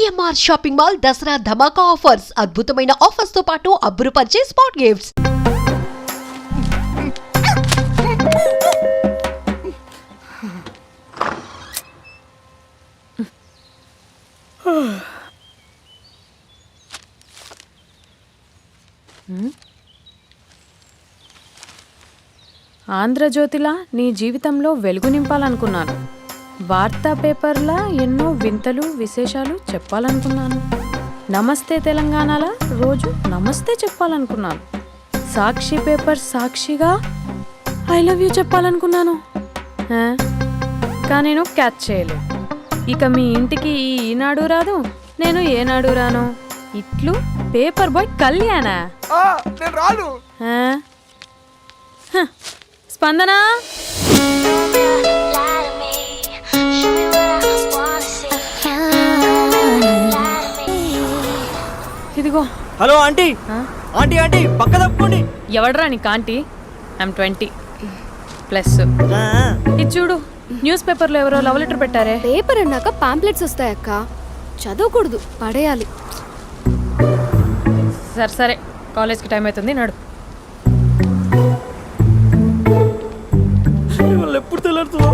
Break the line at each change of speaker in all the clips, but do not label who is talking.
CMR shopping mall Dasara ధమాకా offers. అద్భుతమైన offers తో పాటు అబ్బురుపరిచే స్పాట్ గిఫ్ట్స్.
ఆంధ్రజ్యోతిలా నీ జీవితంలో వెలుగు నింపాలనుకున్నాను. వార్తా పేపర్లా ఎన్నో వింతలు విశేషాలు చెప్పాలనుకున్నాను. నమస్తే తెలంగాణలా రోజు నమస్తే చెప్పాలనుకున్నాను. సాక్షి పేపర్ సాక్షిగా ఐ లవ్ యూ చెప్పాలనుకున్నాను. కానీ నేను క్యాచ్ చేయలేదు. ఇక మీ ఇంటికి ఈనాడు రాదు, నేను ఏనాడు రాను. ఇట్లు పేపర్ బాయ్ కళ్యాణా? స్పందన, ఇదిగో.
Hello aunty. ఆంటీ ఆంటీ పక్క తప్పుకోండి.
ఎవడరా నీకు ఆంటీ? ఐమ్ 20+. ఇది చూడు, న్యూస్ పేపర్లో ఎవరో లవ్ లెటర్ పెట్టారే.
పేపర్ అన్నాక పాంప్లెట్స్ వస్తాయక్క, చదవకూడదు, పడేయాలి.
సరే సరే, కాలేజ్కి టైం అవుతుంది, నడు.
ఎప్పుడు తెల్లారుతుందో.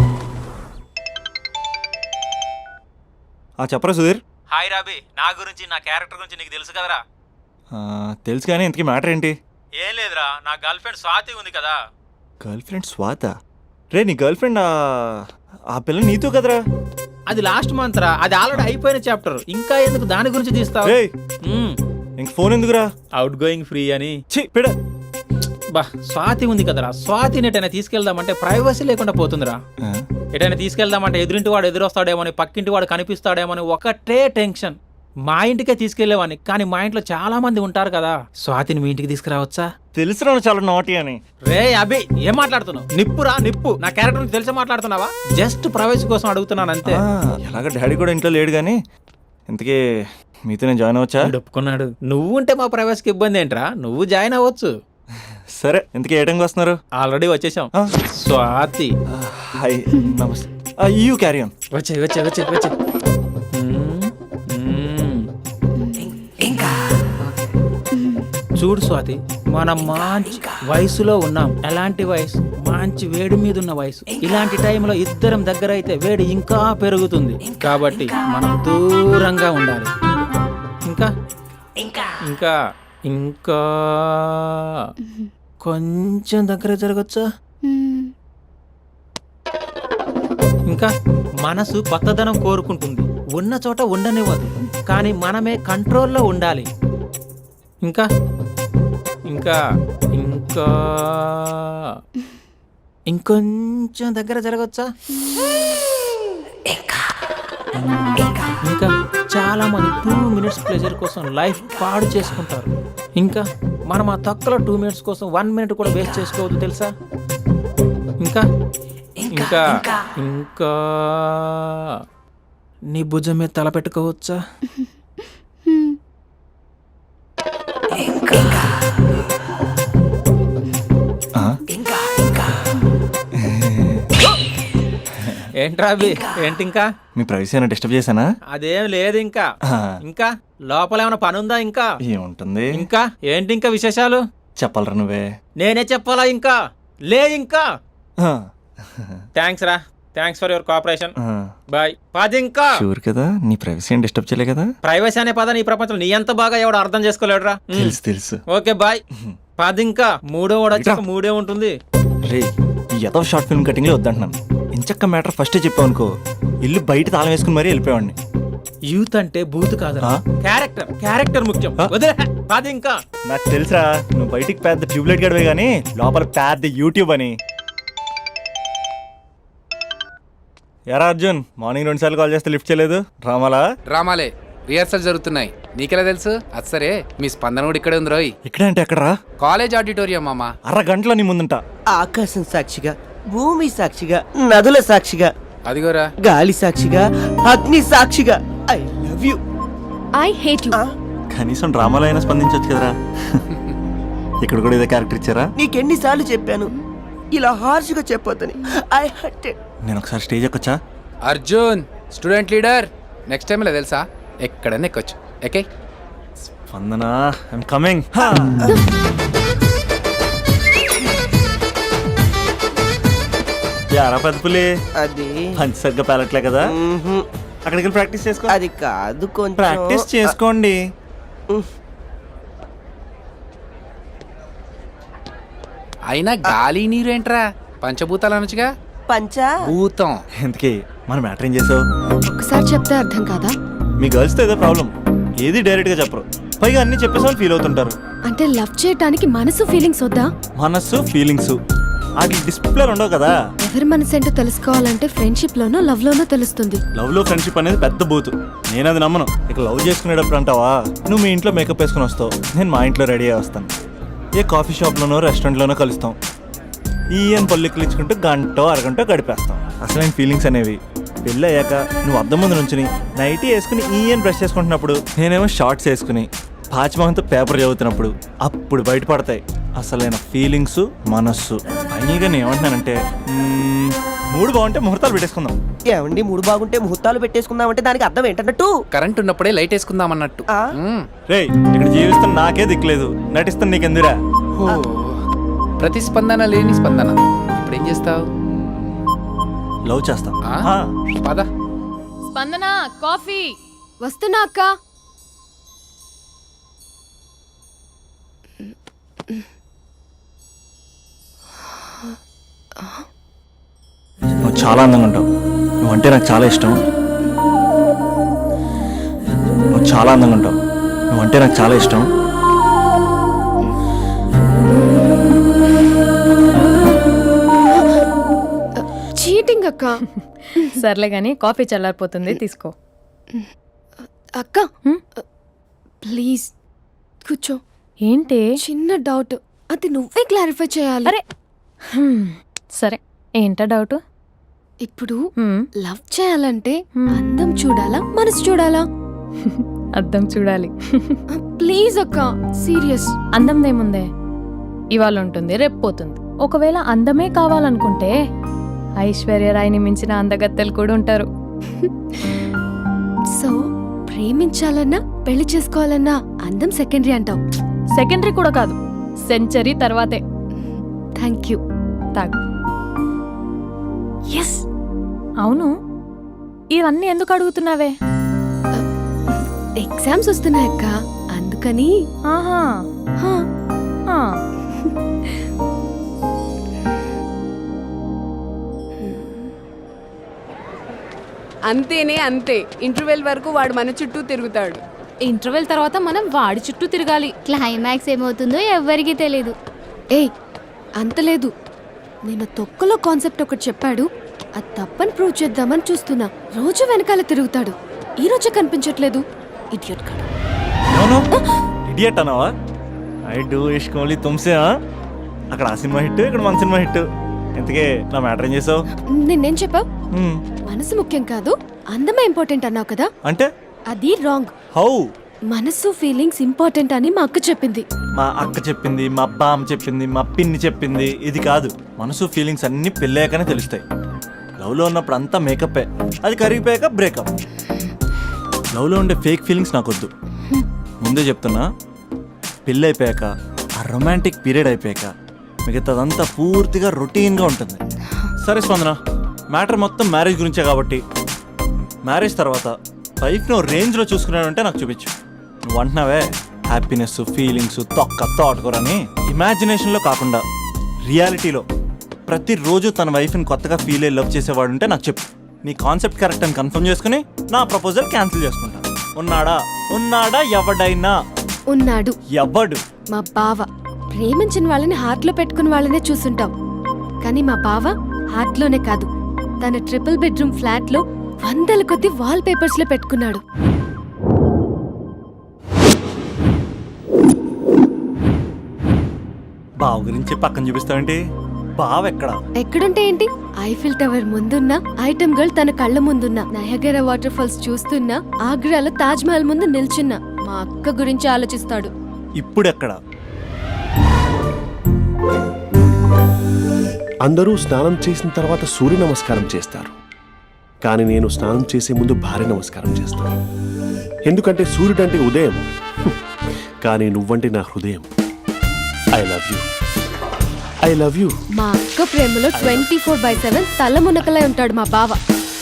చెప్పరా సుధీర్.
హాయ్ రాబీ, నా గురించి నా క్యారెక్టర్ గురించి నీకు తెలుసు కదరా?
తెలుసు కానీ ఇంతకీ మ్యాటర్ ఏంటి?
ఏం లేదురా, నా గర్ల్ ఫ్రెండ్ స్వాతి ఉంది కదా.
Girl friend స్వాత? రే నీ గర్ల్ ఫ్రెండ్ ఆ పిల్ల నీతో కదరా?
అది లాస్ట్ మంత్ రా, అది ఆల్రెడీ అయిపోయిన చాప్టర్. ఇంకా ఎందుకు దాని గురించి తీస్తావు?
ఇంక ఫోన్ ఎందుకురా?
అవుట్ గోయింగ్ ఫ్రీ అని.
పిడ
బా, స్వాతి ఉంది కదరా, స్వాతిని ఎటైనా తీసుకెళ్దామంటే ప్రైవసీ లేకుండా పోతుందిరా. ఎటైనా తీసుకెళ్దామంటే ఎదురింటి వాడు ఎదురొస్తాడేమోని, పక్కింటి వాడు కనిపిస్తాడేమోని ఒకటే టెన్షన్. మా ఇంటికే తీసుకెళ్లేవాడిని, కానీ మా ఇంట్లో చాలా మంది ఉంటారు కదా. స్వాతిని మీ ఇంటికి తీసుకురావచ్చా?
తెలుసురా చాలా నాటి అని.
రే అభి, ఏం మాట్లాడుతున్నావు? నిప్పురా నిప్పు. నా క్యారెక్టర్ నుంచి తెలిసి మాట్లాడుతున్నావా? జస్ట్ ప్రైవసీ కోసం అడుగుతున్నాను అంతే.
ఎలాగ డాడీ కూడా ఇంట్లో లేడు కానీ ఇంతకీ మీతో నేను జాయిన్ అవ్వచ్చా?
ఒప్పుకున్నాడు. నువ్వు ఉంటే మా ప్రైవసీకి ఇబ్బంది ఏంట్రా, నువ్వు జాయిన్ అవ్వచ్చు.
సరే, ఇంతకీ ఏ టైంకి వస్తున్నారు?
ఆల్రెడీ వచ్చేసాం. స్వాతి
హాయ్, నమస్తే. You carry on.
వచ్చే వచ్చే వచ్చే వచ్చే. చూడు స్వాతి, మనం మంచి వయసులో ఉన్నాం. ఎలాంటి వయసు? మంచి వేడి మీద ఉన్న వయసు. ఇలాంటి టైంలో ఇద్దరం దగ్గర అయితే వేడి ఇంకా పెరుగుతుంది. కాబట్టి మనం దూరంగా ఉండాలి. ఇంకా ఇంకా ఇంకా కొంచెం దగ్గర జరగచ్చా? ఇంకా మనసు కొత్తదనం కోరుకుంటుంది, ఉన్న చోట ఉండనివ్వదు, కానీ మనమే కంట్రోల్లో ఉండాలి. ఇంకా ఇంకా ఇంకా ఇంకొంచెం దగ్గర జరగచ్చా? ఇంకా చాలా మంది 2 minutes ప్లెజర్ కోసం లైఫ్ పాడు చేసుకుంటారు. ఇంకా మనం ఆ తక్కువ 2 minutes కోసం 1 minute కూడా వేస్ట్ చేసుకోవద్దు, తెలుసా? ఇంకా ఇంకా ఇంకా నీ భుజం మీద తల పెట్టుకోవచ్చా? ఏంట్రా అభి, ఏంటి ఇంకా?
మీ ప్రైవసీ ఏమైనా డిస్టర్బ్ చేశానా?
అదేం లేదు. ఇంకా ఇంకా లోపల ఏమైనా పని ఉందా? ఇంకా
ఏముంటుంది?
ఇంకా ఏంటి ఇంకా విశేషాలు?
చెప్పాలరా నువ్వే.
నేనే చెప్పాలా? ఇంకా లే. ఇంకా థ్యాంక్స్ రా, thanks for your cooperation. Bye. పది. ఇంకా
షూర్ కదా, నీ ప్రైవసీ ఏం డిస్టర్బ్ చేయలే కదా?
ప్రైవసీ అనే పద నీ ప్రపంచంలో నీ ఎంత బాగా ఎవడు అర్థం చేసుకోలేడురా.
తెలుసు తెలుసు.
Okay bye. పది. ఇంకా మూడో వాడు వచ్చాక మూడే ఉంటుంది.
రే, ఈ ఎదో షార్ట్ ఫిల్మ్ కటింగ్ లో వద్దంటున్నాను. ఇంచక్క మ్యాటర్ ఫస్టే చెప్పావు అనుకో, ఇల్లు బయట తాళం వేసుకుని మరీ వెళ్ళిపోయాడిని.
యూత్ అంటే బూత్ కాదురా, క్యారెక్టర్. క్యారెక్టర్ ముఖ్యం. పది. ఇంకా
నాకు తెలుసా, నువ్వు బయటికి పెద్ద ట్యూబ్లైట్ గడవే గానీ లోపల పెద్ద యూట్యూబ్ అని. ఎరా అర్జున్, మార్నింగ్ 2 సార్లు కాల్ చేస్తే లిఫ్ట్ చేయలేదు.
డ్రామాలే రిహార్సల్ జరుగుతున్నాయి, నీకెలా తెలుసు? అది సరే, మీ స్పందన కూడా ఇక్కడే ఉంది రోయ్.
ఇక్కడ అంటే ఎక్కడరా?
కాలేజ్ ఆడిటోరియం మామ.
అరగంటలో నీ ముందుంటా.
ఆకాశం సాక్షిగా, భూమి సాక్షిగా, నదుల సాక్షిగా,
అదిగోరా
గాలి సాక్షిగా, అగ్ని సాక్షిగా, I love you.
I hate you.
కనీసం డ్రామాలో అయినా స్పందించవచ్చు కదరా. ఇక్కడ కూడా ఇదే క్యారెక్టర్ ఇచ్చారా?
నీకెన్నిసార్లు చెప్పాను ఇలా హార్ష్గా చెప్పొద్దని. I hurt.
నేను ఒకసారి స్టేజ్ ఎక్కొచ్చా?
Arjun student leader. Next time ఇలా తెలుసా, ఎక్కడన్నా ఎక్కొచ్చు. Okay
Spandana I'm coming. యారా పెద్ద పులి
అది
పంచి సరిగ్గా పేలట్లే కదా,
మ్హూ.
అక్కడికి వెళ్ళి ప్రాక్టీస్ చేసుకో.
అది కాదు, కొంచెం
ప్రాక్టీస్ చేసుకోండి.
అయినా గాలి నీరు ఏంట్రా, పంచభూతాలు అనొచ్చుగా.
పంచా
భూతం.
ఎందుకే మన మ్యాటర్ ఏం చేసావు?
ఒకసారి చెప్తే అర్థం కాదా?
మీ గర్ల్స్తో ఏదో ప్రాబ్లం, ఏది డైరెక్ట్గా చెప్పరు, పైగా అన్ని చెప్పేసామని ఫీల్ అవుతుంటారు.
అంటే లవ్ చేయటానికి మనసు ఫీలింగ్స్ వద్దా?
మనస్సు ఫీలింగ్స్ వాటి డిస్ప్లే ఉండవు కదా.
ఎవరి మనసు ఏంటో తెలుసుకోవాలంటే ఫ్రెండ్షిప్ లోనో లవ్ లోనో తెలుస్తుంది.
లవ్ లో ఫ్రెండ్షిప్ అనేది పెద్ద బూతు, నేను అది నమ్మను. ఇక లవ్ చేసుకునేటప్పుడు అంటావా, నువ్వు మీ ఇంట్లో మేకప్ వేసుకుని వస్తావు, నేను మా ఇంట్లో రెడీ అయ్యి వస్తాను, ఏ కాఫీ షాప్లోనో రెస్టారెంట్లోనో కలుస్తాం, ఈయన పల్లెక్కులు ఇచ్చుకుంటూ గంటో అరగంటో గడిపేస్తాం. అసలైన ఫీలింగ్స్ అనేవి పెళ్ళి అయ్యాక నువ్వు అద్దం ముందు నుంచుని నైటీ వేసుకుని ఈయన బ్రష్ చేసుకుంటున్నప్పుడు, నేనేమో షార్ట్స్ వేసుకుని పాచిమహంతో పేపర్ చదువుతున్నప్పుడు అప్పుడు బయటపడతాయి అసలైన ఫీలింగ్స్, మనస్సు. ఫైనల్గా నేను ఏమంటున్నానంటే, మూడు బాగుంటే ముహూర్తాలు పెట్టేసుకుందాం.
ఏమండి మూడు బాగుంటే ముహూర్తాలు పెట్టేసుకుందామంటే దానికి అర్థం ఏంటన్నట్టు?
కరెంట్ ఉన్నప్పుడే లైట్ వేసుకుందాం అన్నట్టు.
ఆ?
రేయ్, ఇక్కడ జీవిస్తున్న నాకే దిక్కులేదు, నటిస్తున్న నీకెందురా?
ప్రతిస్పందన లేని స్పందన. ఇప్పుడు ఏం చేస్తావు?
లవ్ చేస్తా.
పద.
స్పందన కాఫీ.
వస్తున్నా అక్క.
నువ్వు చాలా అందంగా ఉంటావు, నువ్వంటే నాకు చాలా ఇష్టం. నువ్వు చాలా అందంగా ఉంటావు, నువ్వంటే నాకు చాలా ఇష్టం.
చీటింగ్ అక్క.
సర్లే గాని కాఫీ చల్లారిపోతుంది, తీసుకో.
అక్క ప్లీజ్ కూర్చో.
ఏంటి?
చిన్న డౌట్, అది నువ్వే క్లారిఫై చేయాలి.
అరే సరే, ఏంటా డౌట్?
ఇప్పుడు లవ్ చేయాలంటే అందం చూడాలా మనసు చూడాలా?
అద్దం చూడాలి.
ప్లీజ్ అక్క, సీరియస్.
అందందేముందే, ఇవాళ ఉంటుంది రేపు పోతుంది. ఒకవేళ అందమే కావాలనుకుంటే ఐశ్వర్యరాయ్ని మించిన అందగత్తెలు కూడా ఉంటారు.
సో ప్రేమించాలన్నా పెళ్లి చేసుకోవాలన్నా అందం సెకండరీ అంటావు?
సెకండరీ కూడా కాదు, సెంచరీ తర్వాతే.
Thank you.
తాగు.
ఎస్.
అవును, ఇవన్నీ ఎందుకు అడుగుతున్నావే?
ఎగ్జామ్స్ వస్తున్నాయి అక్క, అందుకని.
ఆహా.
హా.
ఆ.
అంతేనే అంతే. ఇంటర్వెల్ వరకు వాడు మన చుట్టూ తిరుగుతాడు.
ఇంటర్వెల్ తర్వాత మనం వాడి చుట్టూ తిరగాలి.
క్లైమాక్స్ ఏమవుతుందో ఎవ్వరికీ తెలీదు.
ఏయ్ అంత లేదు, నేను తొక్కలో కాన్సెప్ట్ ఒకటి చెప్పాడు, అది తప్పని ప్రూవ్ చేద్దామని చూస్తున్నా. రోజు వెనకాల తిరుగుతాడు, ఈ రోజే కనిపించట్లేదు. ఇడియట్ కాడు.
ఇడియట్ అన్నావా? ఐ డూ ఇష్క్ ఓన్లీ తుమ్సే. అక్కడ ఆ సినిమా హిట్, ఇక్కడ మన సినిమా హిట్. ఇంతకే నా మ్యాటర్ ఏం చేసావు?
నిన్నేం చెప్పావు? మనసు ముఖ్యం కాదు, అందమే ఇంపార్టెంట్ అన్నావు కదా.
అంటే
అది రాంగ్.
హౌ?
మనసు ఫీలింగ్స్ ఇంపార్టెంట్ అని మా అక్క చెప్పింది.
మా అక్క చెప్పింది, మా బామ్మ చెప్పింది, మా పిన్ని చెప్పింది. ఇది కాదు, మనసు ఫీలింగ్స్ అన్ని పెళ్ళాకనే తెలుస్తాయి. లవ్లో ఉన్నప్పుడు అంతా మేకప్పే, అది కరిగిపోయాక బ్రేకప్. లవ్లో ఉండే ఫేక్ ఫీలింగ్స్ నాకొద్దు. ముందే చెప్తున్నా, పెళ్ళి అయిపోయాక ఆ రొమాంటిక్ పీరియడ్ అయిపోయాక మిగతాదంతా పూర్తిగా రొటీన్గా ఉంటుంది. సరే స్పందన, మ్యాటర్ మొత్తం మ్యారేజ్ గురించే కాబట్టి మ్యారేజ్ తర్వాత లైఫ్ను రేంజ్లో చూసుకున్నాడంటే నాకు చూపించు. నువ్వు అంటున్నావే హ్యాపీనెస్, ఫీలింగ్స్, తోటకూరని ఇమాజినేషన్లో కాకుండా రియాలిటీలో ప్రతిరోజు తన వైఫ్ని కొత్తగా ఫీల్ అయ్యి లవ్ చేసేవాడు ఉంటే నాకు చెప్పు. నీ కాన్సెప్ట్ కరెక్ట్ అని కన్ఫర్మ్ చేసుకుని నా ప్రపోజల్ క్యాన్సిల్ చేసుకుంటా. ఉన్నాడా ఎవడైనా?
ఉన్నాడు.
ఎవడు?
మా బావ. ప్రేమించిన వాళ్ళని హార్ట్లో పెట్టుకున్న వాళ్ళనే చూసుంటాం, కానీ మా బావ హార్ట్లోనే కాదు, తన ట్రిపుల్ బెడ్రూమ్ ఫ్లాట్లో 100 కొద్ది వాల్ పేపర్స్ లో పెట్టుకున్నాడు.
బావ గురించి పక్కన చూపిస్తావేంటి? బావ
ఎక్కడుంటే ఏంటి? ఐఫిల్ టవర్ ముందున్న ఐటమ్ గర్ల్ తన కళ్ళ ముందున్న నయగరా వాటర్ ఫాల్స్ చూస్తున్నా, ఆగ్రాలో తాజ్ మహల్ ముందు నిల్చున్నా మా అక్క గురించి ఆలోచిస్తాడు.
ఇప్పుడెక్కడ?
అందరూ స్నానం చేసిన తర్వాత సూర్య నమస్కారం చేస్తారు, కానీ నేను స్నానం చేసే ముందు భార్య నమస్కారం చేస్తాను. ఎందుకంటే సూర్యుడు అంటే ఉదయం, కానీ నువ్వంటే నా హృదయం. I love you, I love you.
మా అక్క ప్రేమలో 24/7 తల మునకలై ఉంటాడు మా బావ.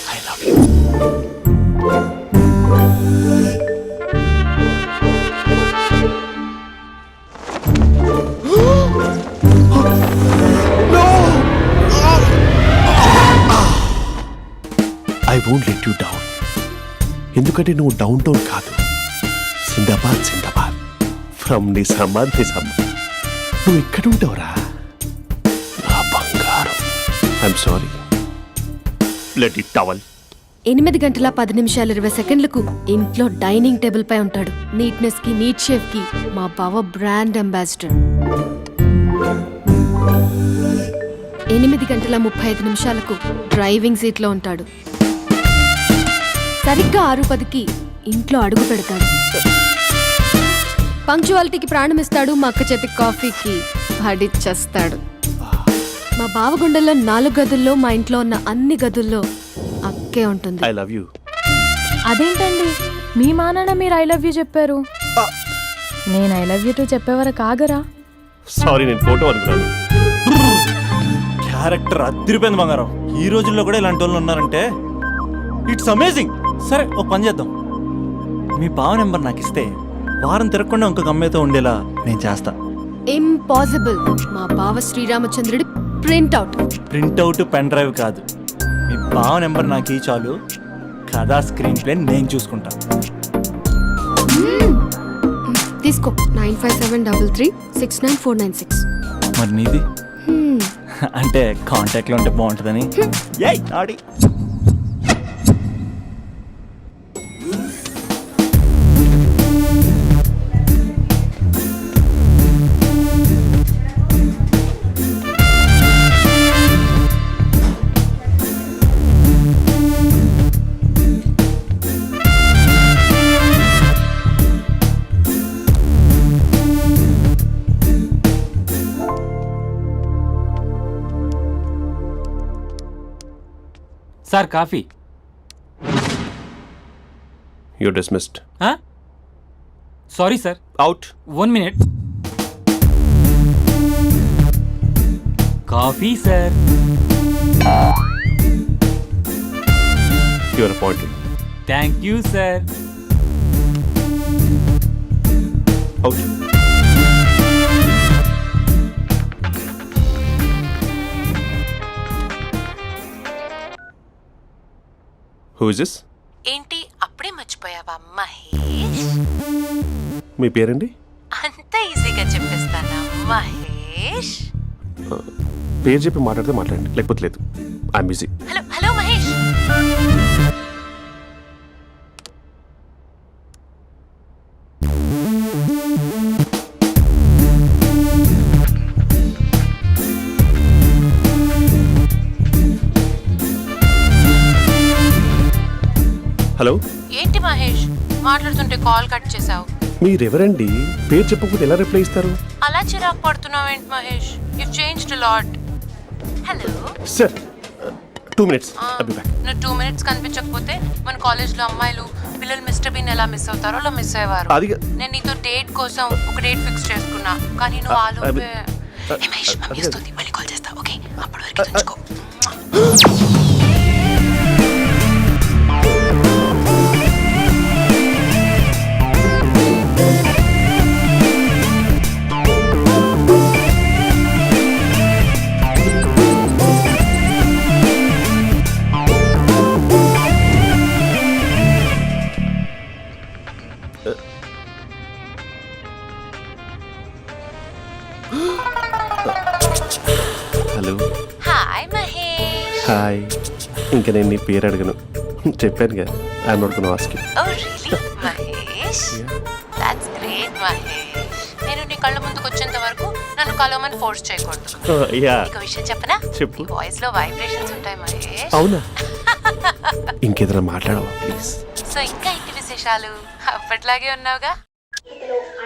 I won't let you down. ఎందుకంటే నువ్వు డౌన్ టౌన్ కాదు, జిందాబాద్ జిందాబాద్ ఫ్రమ్ నిజామాబాద్ నిజామాబాద్. నువ్వు ఇక్కడ ఉంటావురా నా బంగారం. I'm sorry, let it towel.
8 గంటల 10 నిమిషాలు 20 సెకండ్లకు ఇంట్లో డైనింగ్ టేబుల్ పై ఉంటాడు. నీట్నెస్ కి, నీట్ షేఫ్ కి మా బావ బ్రాండ్ అంబాసిడర్. 8 గంటల 35 నిమిషాలకు డ్రైవింగ్ సీట్ లో ఉంటాడు. సరిగ్గా 6:10కి ఇంట్లో అడుగు పెడతాడు. పంక్చువాలిటీకి ప్రాణమిస్తాడు. మా అక్క చేతి కాఫీకి పడిచ్చేస్తాడు. మా బావ గుండెల్లో 4 గదుల్లో, మా ఇంట్లో ఉన్న అన్ని గదుల్లో అక్కే ఉంటుంది.
I love you.
అదేంటండి మీ మానాన్న మీరు ఐ లవ్ యూ చెప్పారు, నేను ఐ లవ్ యూ టు చెప్పేవరకు ఆగరా?
సారీ, నేను ఫోటో అనుకున్నాను.
క్యారెక్టర్ అదిరిపోయింది బంగారం. ఈ రోజుల్లో కూడా ఇలాంటి వాళ్ళు ఉన్నారంటే ఇట్స్ అమేజింగ్. సరే ఒక పని చేద్దాం, మీ బావ నెంబర్ నాకు ఇస్తే వారం తిరగకుండా ఇంకొక అమ్మాయితో ఉండేలా నేను చేస్తా.
ఇంపాసిబుల్. మా బావ శ్రీరామచంద్రుడి ప్రింట్అవుట్.
ప్రింట్అవుట్ పెన్ డ్రైవ్ కాదు, మీ బావ నెంబర్ నాకు ఈ చాలు. కథా స్క్రీన్ ప్లే నేను చూసుకుంటా.
తీసుకో. 9573369496.
మరి నీది అంటే కాంటాక్ట్లో ఉంటే బాగుంటుందని. ఏయ్ ఆడి
sir coffee.
You dismissed.
Sorry sir.
Out.
1 minute. Coffee sir.
You are appointed.
Thank you sir.
Out. Who is this?
ఏంటి అప్పుడే మర్చిపోయావా మహేష్?
మీ పేరండి?
అంత ఈజీగా చెప్పేస్తానా మహేష్?
పేరు చెప్పి మాట్లాడితే మాట్లాడండి, లేకపోతే లేదు. I'm busy.
Hello hello Mahesh.
Hello.
ఏంటి మహేష్ మాట్లాడుతుంటే కాల్ కట్ చేసావు?
మీరెవరండి? పేరు చెప్పకపోతే ఎలా రిప్లై ఇస్తారు?
అలా చిరాకు పడుతున్నావు ఏంటి Mahesh? You changed a lot. Hello
sir, 2 minutes. I'll be back.
నువ్వు 2 minutes కనిపించకపోతే మన కాలేజ్లో అమ్మాయిలు పిల్లలు మిస్టర్ బీన్ ఎలా మిస్ అవుతారో అలా మిస్ అయ్యేవారు.
అది
నేను నీతో డేట్ కోసం ఒక డేట్ ఫిక్స్ చేసుకున్నా, కానీ నువ్వు ఆలోపే. మహేష్ మమ్మీ వస్తుంది, మళ్ళీ కాల్ చేస్తా. ఓకే, అప్పటి వరకు తెచ్చుకో.
హలో.
హాయ్ మహేష్.
హాయ్. ఇంకా నేను నీ పేరు అడగను, చెప్పాను కదా. I'm not gonna ask you.
Oh really Mahesh? That's great Mahesh. నేను నీ కళ్ళ ముందుకు వచ్చేంత వరకు నన్ను కలవమని ఫోర్స్ చేయకూడదు.
యా.
ఒక విషయం చెప్పనా?
చెప్పు.
వాయిస్ లో వైబ్రేషన్స్ ఉంటాయి మహేష్.
అవునా? ఇంకేదైనా మాట్లాడవా ప్లీజ్?
సో ఇంకా ఇంటి విశేషాలు? అప్పట్లాగే ఉన్నావుగా?